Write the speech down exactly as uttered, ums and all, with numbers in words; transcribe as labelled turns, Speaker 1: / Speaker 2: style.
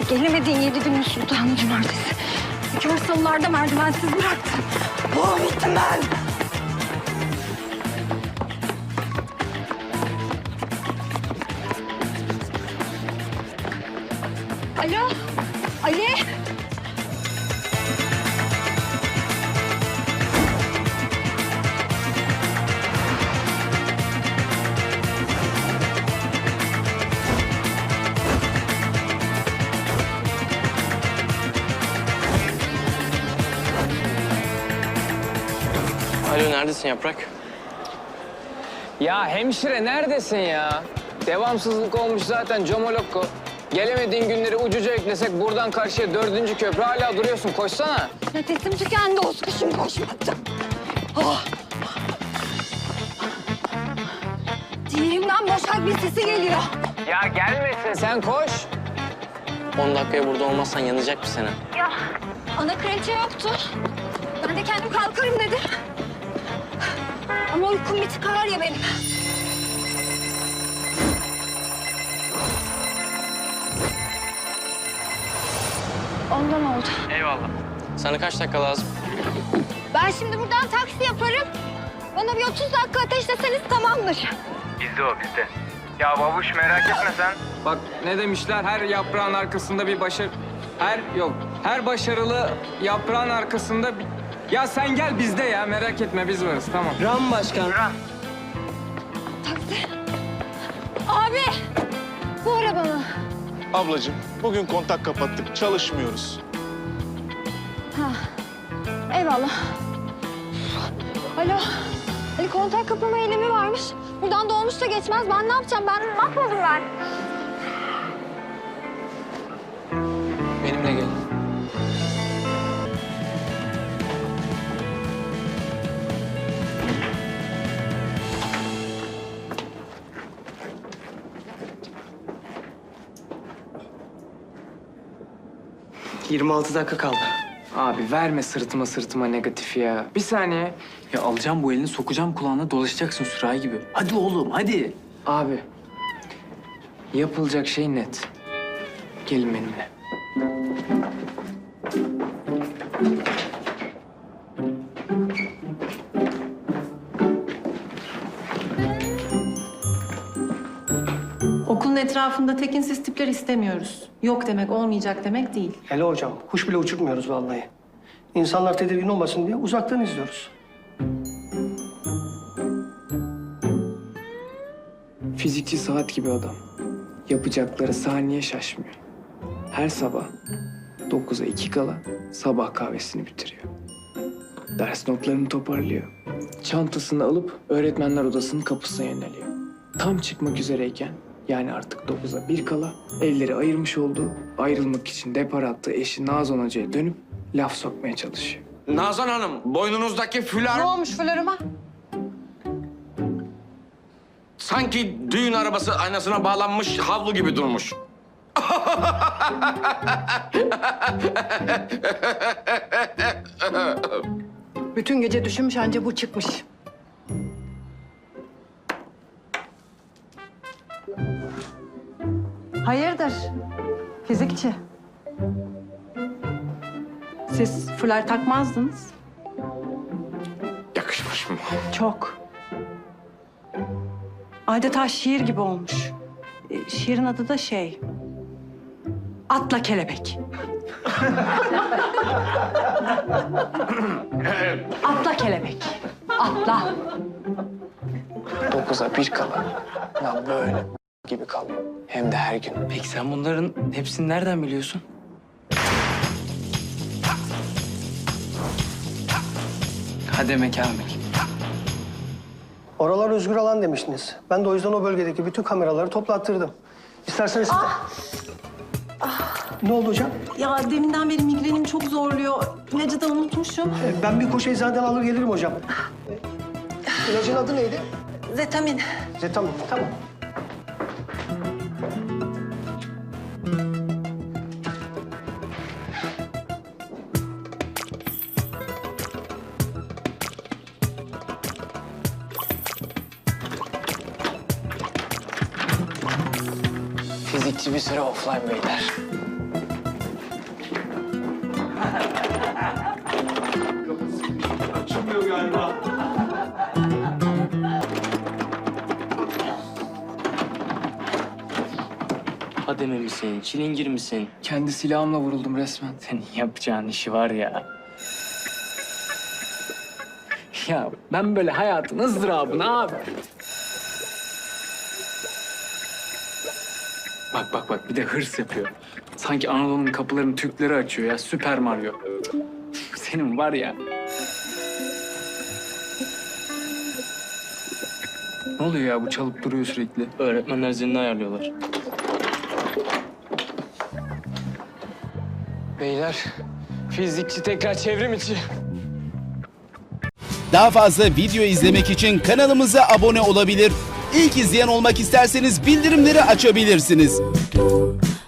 Speaker 1: Gelemediğin yedi günün sultanı cumartesi. Kör salılarda merdivensiz bıraktın. Oh, bittim ben. Alo, Ali.
Speaker 2: Alo, neredesin Yaprak?
Speaker 3: Ya hemşire neredesin ya? Devamsızlık olmuş zaten Comolokko. Gelemediğin günleri ucuca eklesek buradan karşıya dördüncü köprü hala duruyorsun. Koşsana.
Speaker 1: Nefesim tükendi, o sıkışım koşmadım. Oh. Ciğerimden boşak bir sesi geliyor.
Speaker 3: Ya gelmesin sen koş.
Speaker 2: On dakikaya burada olmazsan yanacak bir sene.
Speaker 1: Ya ana kraliçe yoktu. Ben de kendim kalkarım dedim. Ama uykum bir tıkar ya benim. Ondan oldu.
Speaker 2: Eyvallah. Sana kaç dakika lazım?
Speaker 1: Ben şimdi buradan taksi yaparım. Bana bir otuz dakika ateşleseniz tamamdır.
Speaker 4: Bizde o bizde. Ya babuş merak etme sen.
Speaker 3: Bak ne demişler, her yaprağın arkasında bir başarı... Her yok, her başarılı yaprağın arkasında bir... Ya sen gel bizde ya, merak etme biz varız tamam.
Speaker 2: Ram başkan.
Speaker 1: Taksi. Abi, bu araba mı?
Speaker 5: Ablacığım, bugün kontak kapattık, çalışmıyoruz.
Speaker 1: Ha, eyvallah. Alo, Ali kontak kapama eylemi varmış. Buradan dolmuş da geçmez. Ben ne yapacağım? Ben mahvoldum ben.
Speaker 3: Benimle gelin.
Speaker 6: yirmi altı dakika kaldı.
Speaker 3: Abi verme sırtıma sırtıma negatif ya. Bir saniye.
Speaker 6: Ya alacağım bu elini, sokacağım kulağına, dolaşacaksın sürahi gibi. Hadi oğlum, hadi.
Speaker 3: Abi, yapılacak şey net. Gelin benimle.
Speaker 7: Okulun etrafında tekinsiz tipler istemiyoruz. Yok demek olmayacak demek değil.
Speaker 8: Hele hocam, kuş bile uçurtmuyoruz vallahi. İnsanlar tedirgin olmasın diye uzaktan izliyoruz.
Speaker 3: Fizikçi saat gibi adam. Yapacakları saniye şaşmıyor. Her sabah dokuza iki kala sabah kahvesini bitiriyor. Ders notlarını toparlıyor. Çantasını alıp öğretmenler odasının kapısına yöneliyor. Tam çıkmak üzereyken, yani artık dokuza bir kala elleri ayırmış olduğu, ayrılmak için depar attığı eşi Nazan Hoca'ya dönüp laf sokmaya çalışıyor.
Speaker 9: Nazan Hanım, boynunuzdaki fular...
Speaker 7: Ne olmuş fularıma?
Speaker 9: ...sanki düğün arabası aynasına bağlanmış havlu gibi durmuş.
Speaker 7: Bütün gece düşünmüş anca bu çıkmış. Hayırdır? Fizikçi. Siz fular takmazdınız.
Speaker 9: Yakışmış mı?
Speaker 7: Çok. Adeta şiir gibi olmuş. Ee, şiirin adı da şey... Atla kelebek. Atla kelebek. Atla.
Speaker 3: Dokuza bir kala ya böyle gibi kalıyor. Hem de her gün.
Speaker 6: Peki sen bunların hepsini nereden biliyorsun? Hademe Kamil.
Speaker 8: Oralar özgür alan demiştiniz. Ben de o yüzden o bölgedeki bütün kameraları toplattırdım. İsterseniz... Ne oldu hocam?
Speaker 7: Ya deminden beri migrenim çok zorluyor. İlacı da unutmuşum.
Speaker 8: Ee, Ben bir koşu eczaneden alır gelirim hocam. Ee, İlacın adı neydi?
Speaker 7: Zetamin.
Speaker 8: Zetamin, tamam.
Speaker 3: Fizikçi bir süre offline beyler.
Speaker 2: Hademe misin, çilingir misin?
Speaker 3: Kendi silahımla vuruldum resmen.
Speaker 6: Senin yapacağın işi var ya. Ya ben böyle hayatın ızdırabını abi. Bak bak bak bir de hırs yapıyor. Sanki Anadolu'nun kapılarını Türkleri açıyor ya. Süper Mario. Senin var ya. Ne oluyor ya bu çalıp duruyor sürekli.
Speaker 2: Öğretmenler zilini ayarlıyorlar.
Speaker 3: Beyler, fizikçi tekrar çevrim içi.
Speaker 10: Daha fazla video izlemek için kanalımıza abone olabilir. İlk izleyen olmak isterseniz bildirimleri açabilirsiniz.